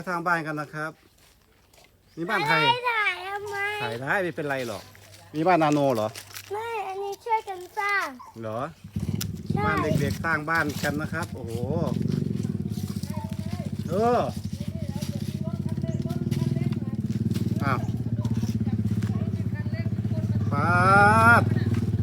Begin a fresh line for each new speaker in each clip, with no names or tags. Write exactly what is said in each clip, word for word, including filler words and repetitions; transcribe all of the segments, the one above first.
สร้างบ้านกันนะครับนี่บ้านใคร
ไม่ถ่ายทำไม
ถ่ายได้ไม่เป็นไรหรอกมีบ้านนาโนเหรอ
ไม่ อันนี้ช่วยกันสร้าง
เหรอ
ใช่
บ้านเด็กๆสร้างบ้านกันนะครับ โอ้โหเอออ้าวปาด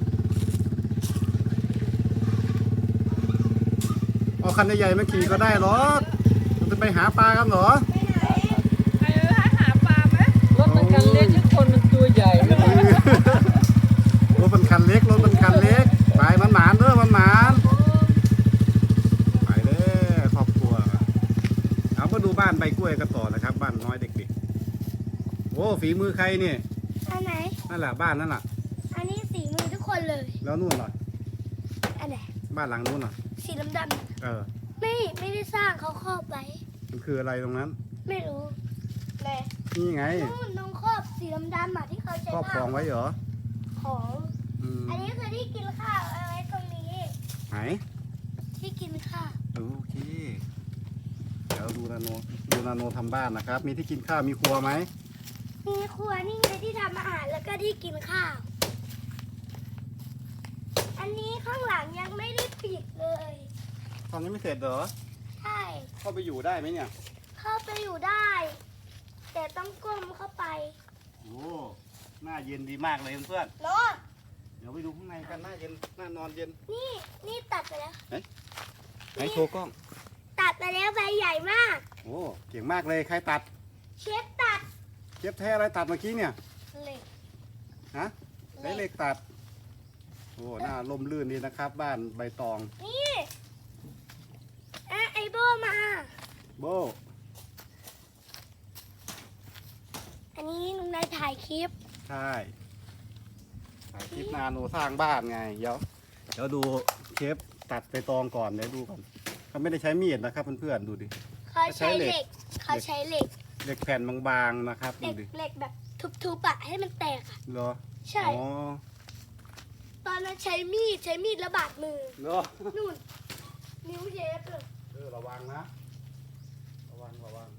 เอาคันใหญ่ๆมาขี่ก็ได้หรอมันจะไปหาปลากันเหรอ
ใครให้หาปลาไหมรถมันคันเล็กที่คนมันตัวใหญ่
รถเป็นคันเล็กรถเป็นคันเล็กไปมันหมานเด้อมันหมานไปเด้อครอบครัวเอามาดูบ้านใบกล้วยกันต่อนะครับ บ้านน้อยเด็กๆโอ้ฝีมือใครเนี่ย
อันไหน
นั่นแหละบ้านนั่นแหละ
อันนี้สีมือทุกคนเลย
แล้วนู่นเหรอ
อันไหน
บ้านหลังนู้นเหรอ
สีดำ
เออ
ๆไม่ไม่ได้สร้างเขาครอบไว้
มันคืออะไรตรงนั้น
ไม่รู้เลย
นี่ไง
นู่นน้องครอบสีดำๆอ่ะที่เขาใช้
ครอบครองไว้เหรอ
ของ
อืม
อันนี้คือที่กินข้าวเอาไว้ตรงนี้
ไหน
ที่กินข้าว
โอเคเดี๋ยวดูนาโนดูนาโนทำบ้านนะครับ มีที่กินข้าวมีครัวไหม
มีครัวนี่ไงที่ทำอาหารแล้วก็ที่กินข้าว อันนี้ข้างหลังยังไม่ได้ปิดเลย
ตอนนี้ไม่เสร็จเหรอ
ใช่
เข้าไปอยู่ได้ไหมเนี่ย
เข้าไปอยู่ได้ แต่ต้องก้มเข้าไป
โอ้หน้าเย็นดีมากเลยเพื่อน
เนาะ
ๆเดี๋ยวไปดูข้างในกันหน้าเย็นหน้านอนเย็น
นี่นี่ตัดไปแล้ว
ไหนโชว์กล้อง
ตัดไปแล้วใบใหญ่มาก
โอ้เก่งมากเลยใครตัด
เชฟตัด
เก็บแท้อะไรตัดเมื่อกี้เนี่ย
เหล็ก
ฮะใช้เหล็กตัดโอ้หน้าลมลื่นดีนะครับ บ้านใบตอง
นี่อ่ะไอโบมา
โบ
อันนี้ลุงนายถ่ายคลิป
ใช่ถ่ายคลิปนาโนสร้างบ้านไงเดี๋ยวเดี๋ยวดูเชฟตัดใบตองก่อนเดี๋ยวดูก่อนเขาไม่ได้ใช้มีดนะครับเพื่อนๆดูดิ
เขาใช้
ใช้เหล็
เหล็
ก
ก เขาใช้เหล็ก
เหล็กแผ่นบางๆนะครับ
เห
ดู
ล็ก
ดิ
เหล็กแบบทุบๆอะให้มันแตกอะ
เหรอ
ใช่
อ๋อ
ตอนนั้นใช้มีดใช้มีดระบาดมือ
เหรอ
นู่น นิ้วเชฟเลย
เออระวังนะระวังระวัง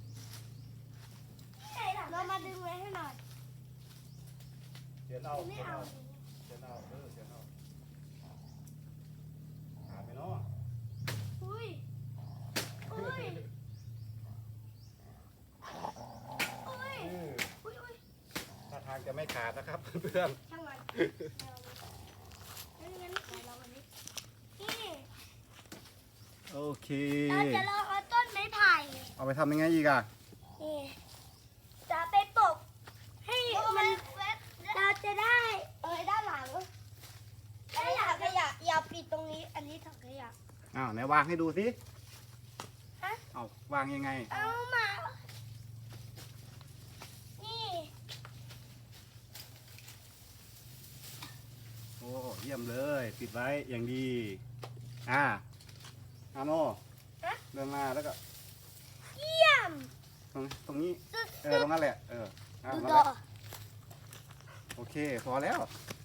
เรามาดึงไว้ให้หน่อย
เขียนเอา
ไม่
เขียน
เอา
เอาเขียนเอาเออเขียนเอาขาดไปเนาะ
อุ้ยอุ้ยอุ้ย
เออ
อุ้ยอุ้ย
ถ้าทางจะไม่ขาดนะครับ เพื่อน
ช่างมันงั้นงั้นเดี๋ยวเราวันนี้นี่
โอเค
เราจะลองเอาต้นไม้ไผ่
เอาไปทำยังไงอีกอะ
นี่จะไปปลูกให้มันเราจะได้เอ้ยด้านหลังขยะขยะอย่าปิดตรงนี้ อันนี้ถังขยะ
อ้าวไหนวางให้ดูสิ
ฮะ
เอาวางยังไง
เอามา นี่
โอ้เยี่ยมเลยปิดไว้อย่างดีอ่าอาโน
ฮะ
เดินมาแล้วก็
เยี่ยม
ตรงตรงนี้
ตึ๊ด
เออตรงนั้นแหละเอออ่า
ดู
นั่น
ต่
แห
อ
ละโอเคพอแล้ว